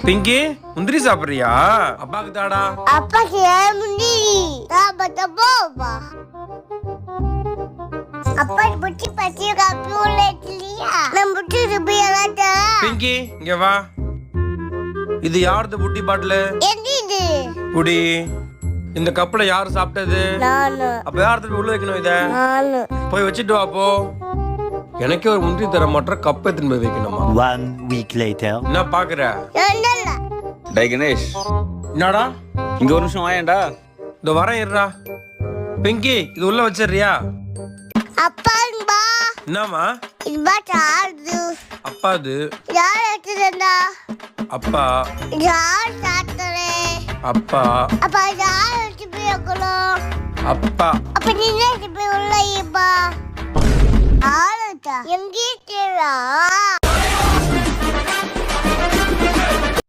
பிங்கி முந்திரி சாப்பிடுறியா? அப்பாக்கு தாடா. அப்பாக்கு முந்திரி போவா. அப்பா புட்டி பத்தி காப்பி இல்லையா? நான் புட்டி ருபியாடா. பிங்கி இங்க வா. இது யாருது புட்டி பாட்டில்? எது புடி. இந்த கப்ல யாரு சாப்பிட்டது? நானு. அப்ப யாரு உள்ள வைக்கணும் இத? நானு. போய் வச்சிட்டு வா போ. எனக்கே ஒரு முந்திரி தர மாட்டற கப்பை எடுத்து போய் வைக்கணுமா? 1 week later. என்ன பாக்குற? இல்ல. டேய் கணேஷ், என்னடா? இங்க ஒரு நிமிஷம் வாயேன்டா. இந்த வரேன் இருடா. பிங்கி இது உள்ள வச்சிடுறியா? அப்பா பா. என்னம்மா? இது பாட்டாது. அப்பா இது. யார் எடுத்துடா? அப்பா. யார் சாத்தரே? அப்பா. அப்பா யார் எடுத்து போய்க்கணும்? அப்பா. அப்ப நீ என்ன போய் உள்ள இப்பா? ஆளுடா. எங்கே தேவா?